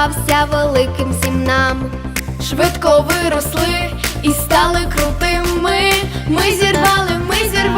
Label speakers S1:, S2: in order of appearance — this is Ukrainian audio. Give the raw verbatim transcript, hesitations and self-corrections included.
S1: здавався великим всім нам.
S2: Швидко виросли і стали крутими. Ми зірвали, ми зірвали